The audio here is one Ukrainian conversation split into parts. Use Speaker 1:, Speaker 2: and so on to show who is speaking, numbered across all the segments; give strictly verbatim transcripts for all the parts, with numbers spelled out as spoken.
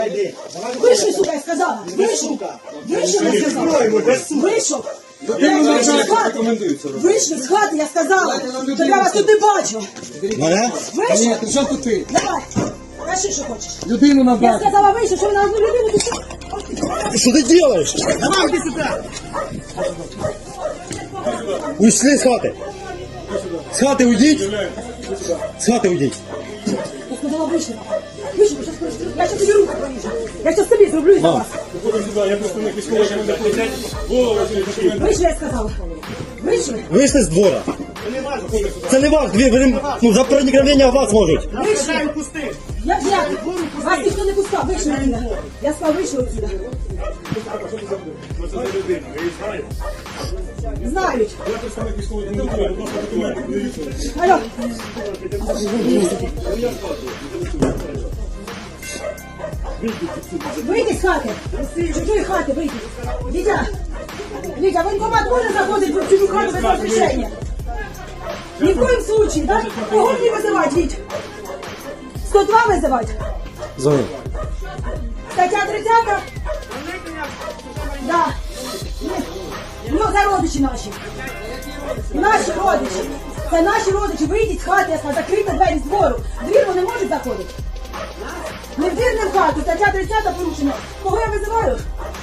Speaker 1: Вийшли, сука, я сказала. Вийшов. Вийшов, я сказала. Вийшов. Вийшли з хати, я сказала. То я вас тут не бачу.
Speaker 2: Мене?
Speaker 1: Вийшов.
Speaker 3: Ні, при чому тут ти?
Speaker 1: Давай. Кажи, що хочеш.
Speaker 3: Людину
Speaker 1: Я
Speaker 3: набрати.
Speaker 1: сказала, вийшов, що ви на одну людину пішли.
Speaker 2: Что ты делаешь?
Speaker 3: Давай, іди сюди.
Speaker 2: Ушли с хаты. С хаты уйдите. С хаты уйдите.
Speaker 1: Я сказала, вийшли. Вийшли, я щас просто- я щас тобі руку поріжу. Я щас тобі зроблю за вас. Вийшли, я сказала. Вийшли.
Speaker 2: Вышли с двора. Це не ваш двір, вони ну, за проникновення в вас можуть.
Speaker 1: Вийшли. Я я. Вас ніхто не пускав, вийшли отсюда. Я сказала, вийшли отсюда. Знають. Алло. Вийди з хати. З чужої хати вийди. Вітя. Вітя, воєнкомат може заходити в чужу хату без розрішення? Ни в коем случае, да? Кого мне вызывать, Вить? сто два вызывать?
Speaker 2: Звони.
Speaker 1: Стаття тридцята? Да. Ну, це родичі наші. Наші родичі. Це наші родичі. Вийдіть з хати, я сказала, закрийте двері з двору. Двір вони можуть заходити? Не в двір, не в хату. Стаття тридцята порушена. Кого я визиваю?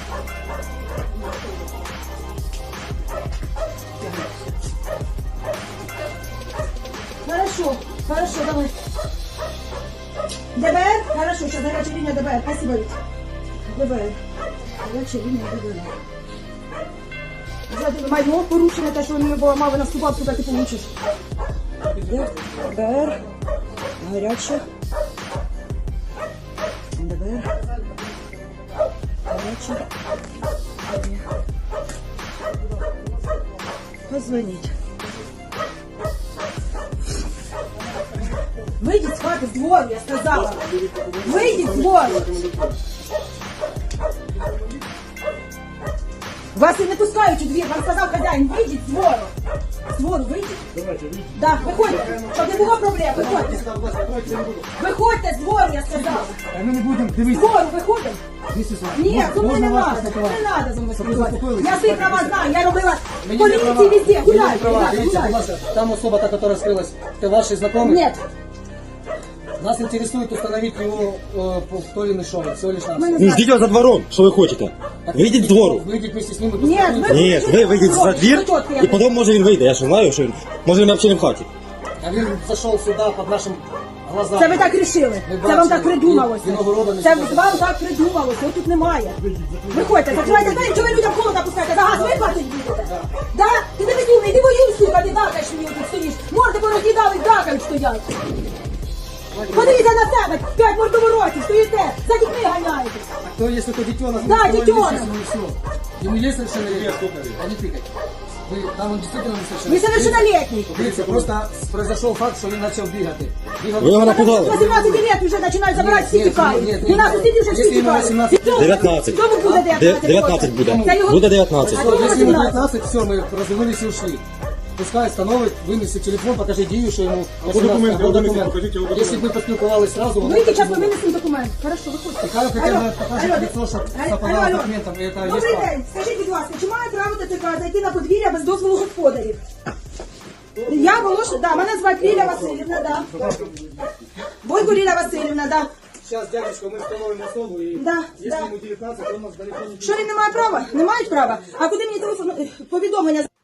Speaker 1: Хорошо, хорошо, давай. ДБР? Хорошо, сейчас горячая линия ДБР. Спасибо, Вить. ДБР. Горячая линия ДБР. Взяти майно порушене, те, що вони поламали, наступав, туди ти получиш. ДБР. Горячая. ДБР. Горячая. Позвонить. Вийдіть з хати, з двору, я сказала. Вийдіть з двору. Вас і не пускають у двір, вам сказав хазяїн, вийдіть з двору. З двору вийдіть. Так, виходьте, щоб не було проблем, виходьте. Виходьте з двору, я сказала.
Speaker 3: А ми не будемо,
Speaker 1: З
Speaker 3: дивись.
Speaker 1: двору виходимо.
Speaker 3: Дивись, Ісус.
Speaker 1: Ні, зо мною не
Speaker 3: Можна вас
Speaker 1: треба, не
Speaker 3: поспілкувати?
Speaker 1: треба зо мною
Speaker 3: Щоб ви
Speaker 1: спілкуватися.
Speaker 3: заспокоїлися?
Speaker 1: Я свої права знаю, я робила в
Speaker 3: Мені не права.
Speaker 1: поліції везде,
Speaker 3: Мені не
Speaker 1: гуляйте,
Speaker 3: права.
Speaker 1: ребята,
Speaker 3: Дивіться, будь
Speaker 1: гуляйте.
Speaker 3: ласка, там особа, та, которая скрылась, это ваши знакомые?
Speaker 1: Нет,
Speaker 3: Нас интересует установить его э, по- кто или шоу, всего лишь
Speaker 1: ми
Speaker 3: нас.
Speaker 1: не
Speaker 2: Ну
Speaker 1: знаємо.
Speaker 2: ждіть його за двором, що ви хочете. Вийдіть з двору.
Speaker 3: Выйдите вместе с ним и
Speaker 1: Ні,
Speaker 3: поспілкуйтесь.
Speaker 1: ви-
Speaker 2: Ні, ви вийдіть за двір, і потім може він вийде. Я ж знаю, що він, може він взагалі не в хаті.
Speaker 3: А він зашел сюда под нашим глазам.
Speaker 1: Це ви так рішили.
Speaker 3: Ми
Speaker 1: Це вам
Speaker 3: бачили.
Speaker 1: так придумалося.
Speaker 3: І виногорода не
Speaker 1: Це
Speaker 3: сюди.
Speaker 1: вам так придумалося. Його тут немає. Виходьте, закривайте двері, чого ви людям холода пускаєте? За газ ви платить будете? Да? Ти не безумний, ти воюй, сука, ти дакаєш мені тут стоїш. Морди пороз'їдали, дакають стоять. Подивіться на себе, п'ять мордоворотів, стоїте, за дітьми ганяєтесь.
Speaker 3: А кто, если это детенок?
Speaker 1: Да,
Speaker 3: мы
Speaker 1: детенок.
Speaker 3: ему все. Ему есть совершеннолетие? А не тыкать. Вы, там он действительно
Speaker 1: Ви
Speaker 3: несовершеннолетний.
Speaker 1: совершеннолетний.
Speaker 3: Дивіться, просто произошел факт, що він почав бігати. Бігав-
Speaker 2: Ви його напугали.
Speaker 1: вісімнадцять лет вже починають забирати, всі
Speaker 3: Ні, ні,
Speaker 1: тікають.
Speaker 3: ні, ні.
Speaker 1: У нас сусідів вже всі
Speaker 3: Якщо йому
Speaker 1: тікають.
Speaker 3: вісімнадцять.
Speaker 2: дев'ятнадцять.
Speaker 1: Хто буде
Speaker 2: Де-
Speaker 1: дев'ятнадцять?
Speaker 2: дев'ятнадцять буде.
Speaker 1: Це його-
Speaker 2: Буде дев'ятнадцять.
Speaker 1: А
Speaker 3: Что,
Speaker 1: чому
Speaker 3: если ему
Speaker 1: вісімнадцять?
Speaker 3: девятнадцать, все, мы развернулись и ушли. Пускай остановит, вынеси телефон, покажи Дию, что ему
Speaker 4: Або документи,
Speaker 3: або
Speaker 4: або
Speaker 3: документ.
Speaker 4: покажіть його
Speaker 3: Если бы мы поспілкувались сразу, он
Speaker 1: Вийдіть,
Speaker 3: так
Speaker 1: зараз
Speaker 3: не
Speaker 1: ми
Speaker 3: було.
Speaker 1: винесемо документ. Хорошо, виходьте.
Speaker 3: Нехай хоча б
Speaker 1: Алло,
Speaker 3: покаже
Speaker 1: алло,
Speaker 3: лицо, щоб
Speaker 1: алло,
Speaker 3: совпадало
Speaker 1: алло,
Speaker 3: з
Speaker 1: алло.
Speaker 3: документом, і це є
Speaker 1: Добрий
Speaker 3: факт.
Speaker 1: день, скажіть, будь ласка, чи має право ТЦК зайти на подвір'я без дозволу господарів? Я Волош, да, мене звати Ліля Васильівна, да. Бойко Ліля Васильівна, да.
Speaker 3: Сейчас, дядечка, мы установим особу, и
Speaker 1: Да,
Speaker 3: если
Speaker 1: да.
Speaker 3: ему девятнадцать, то он нас далеко не
Speaker 1: Що він не має права? Не мають права? А куди мені телефон, повідомлення?